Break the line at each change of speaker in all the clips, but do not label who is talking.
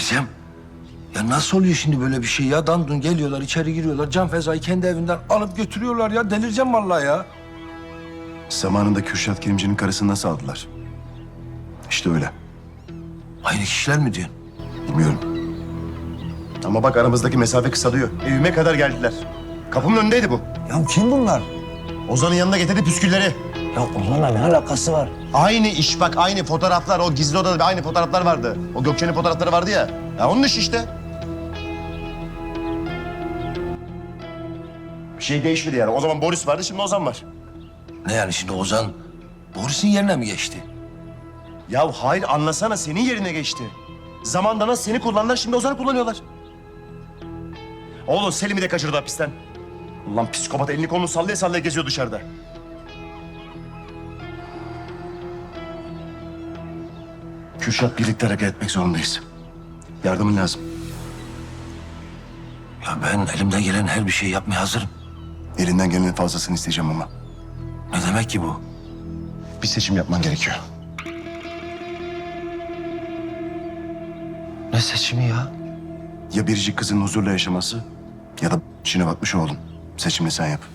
Cem, ya nasıl oluyor şimdi böyle bir şey ya? Dandun geliyorlar, içeri giriyorlar. Can Feza'yı kendi evinden alıp götürüyorlar ya. Delireceğim vallahi ya.
Zamanında Kürşat Kilimci'nin karısını nasıl aldılar? İşte öyle.
Aynı kişiler mi diyorsun?
Bilmiyorum. Ama bak aramızdaki mesafe kısalıyor. Evime kadar geldiler. Kapımın önündeydi bu.
Ya kim bunlar?
Ozan'ın yanına getirdi püskülleri.
Ya onlarla ne alakası var?
Aynı iş bak, aynı fotoğraflar. O gizli odada aynı fotoğraflar vardı. O Gökçe'nin fotoğrafları vardı ya. Ya onun işi işte. Bir şey değişmedi yani. O zaman Boris vardı, şimdi Ozan var.
Ne yani şimdi Ozan Boris'in yerine mi geçti?
Ya hayır, anlasana, senin yerine geçti. Zamanda nasıl seni kullandılar, şimdi Ozan'ı kullanıyorlar. Oğlum Selim'i de kaçırdı hapisten. Ulan psikopat elini kolunu sallaya sallaya geziyor dışarıda. Kürşat, birlikte hareket etmek zorundayız. Yardımın lazım.
Ya ben elimden gelen her bir şeyi yapmaya hazırım.
Elinden gelenin fazlasını isteyeceğim ama.
Ne demek ki bu?
Bir seçim yapman gerekiyor.
Ne seçimi ya?
Ya biricik kızın huzurla yaşaması ya da içine batmış oğlum. Seçimini sen yap.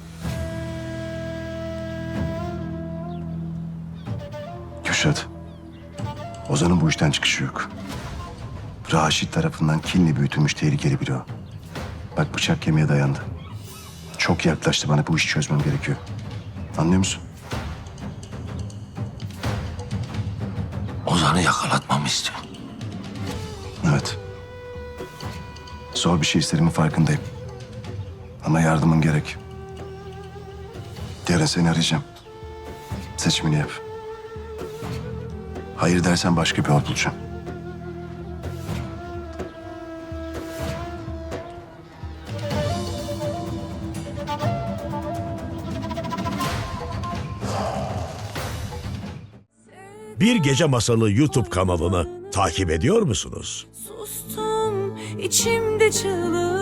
Kürşat, Ozan'ın bu işten çıkışı yok. Raşit tarafından kinli büyütülmüş tehlikeli biri o. Bak bıçak kemiğe dayandı. Çok yaklaştı, bana bu işi çözmem gerekiyor. Anlıyor musun?
Ozan'ı yakalatmamı istiyor.
Evet. Zor bir şey istediğimin farkındayım. Ama yardımın gerek. Yarın seni arayacağım. Seçimini yap. Hayır dersen başka bir yol bulacağım.
Bir Gece Masalı YouTube kanalını takip ediyor musunuz?
Sustum içimde çığlık.